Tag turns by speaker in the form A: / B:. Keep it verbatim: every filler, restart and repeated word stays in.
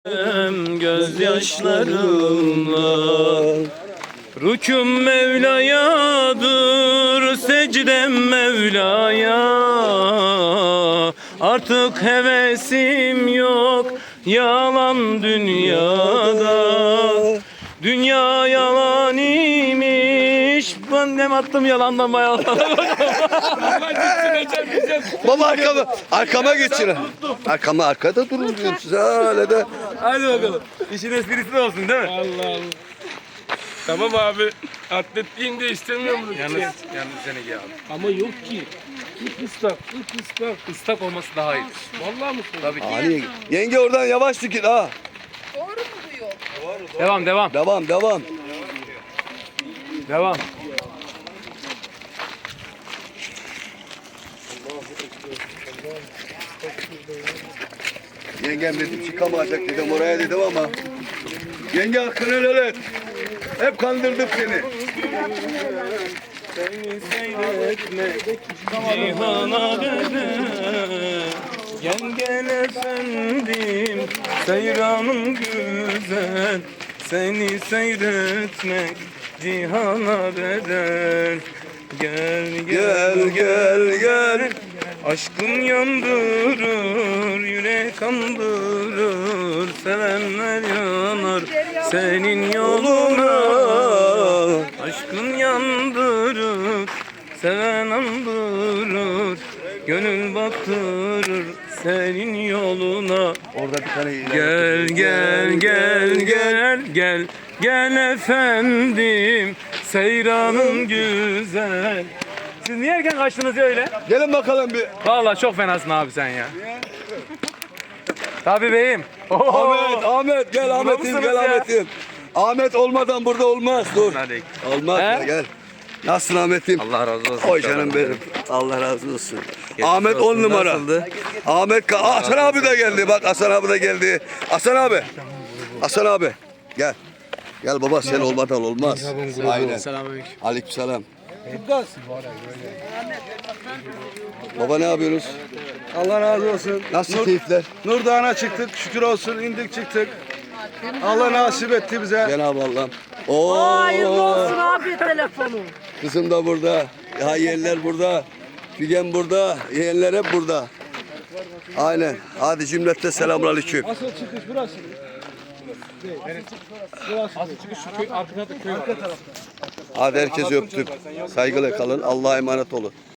A: Gözyaşlarımla rüküm Mevla'yadır, secdem Mevla'ya. Artık hevesim yok yalan dünyada. Dünya yalan imiş. Ben ne attım yalandan bayağı.
B: Baba arkama, arkama geçin. Arkama arkada durun diyorum size öyle de.
A: Hadi bakalım. İşin esprisi de olsun değil mi?
C: Allah Allah. Tamam abi. Atletliğini de istemiyor mu?
A: Yalnız, yalnız seni ya.
C: Ama yok ki. İlk ıslak, ilk ıslak.
A: Islak olması daha iyi.
C: Vallahi mı?
A: Tabii ki.
B: Ali, yenge oradan yavaş git ha.
D: Doğru mu diyor?
A: Devam devam.
B: Devam devam.
A: Devam.
B: Yengem dedim çıkamayacak dedim oraya dedim ama. Yenge hakkını helal et. Hep kandırdık seni.
A: Seni seyretme cihana bedel. Gel gel efendim seyranım güzel. Seni seyretmek cihana bedel. Gel
B: Gel gel gel.
A: Aşkın yandırır, yürek kandırır, sevenler yanar senin yoluna. Aşkın yandırır, seven andırır, gönül baktırır senin yoluna.
B: Orada bir tane
A: Gel gel gel gel gel gel efendim seyranım güzel. Siz niye erken kaçtınız ya öyle?
B: Gelin bakalım bir.
A: Vallahi çok fenasın abi sen ya. Tabii beyim.
B: Ahmet, Ahmet gel Ahmet'im
A: mısınız
B: gel
A: ya?
B: Ahmet'im. Ahmet olmadan burada olmaz dur.
A: Hadi.
B: Olmaz
A: He?
B: ya gel. Nasılsın Ahmet'im?
A: Allah razı olsun.
B: Oy canım benim. Allah razı olsun.
A: Geçmiş
B: Ahmet
A: olsun,
B: on numara.
A: nasıldı?
B: Ahmet Ka Aa, Hasan abi de geldi. Bak Hasan abi de geldi. Hasan abi. Hasan abi. Gel. Gel baba sen olmadan olmaz. Aynen.
A: Selamünaleyküm.
B: Aleykümselam. Baba ne yapıyorsunuz?
E: Allah razı olsun.
B: Nasıl
E: Nur,
B: keyifler?
E: Nur Dağı'na çıktık. Şükür olsun indik çıktık. Allah nasip etti bize.
B: Cenab-ı Allah'ım. Oo.
D: Hayırlı olsun abi telefonu.
B: Kızım da burada. Ya yeğenler burada. Figen burada. Yeğenler hep burada. Aynen. Hadi cümlette selamünaleyküm.
E: Asıl çıkış burası.
A: Asıl çıkış şu köy, arkada da köy var.
B: Hadi herkes öptüm. Saygıyla kalın. Allah'a emanet olun.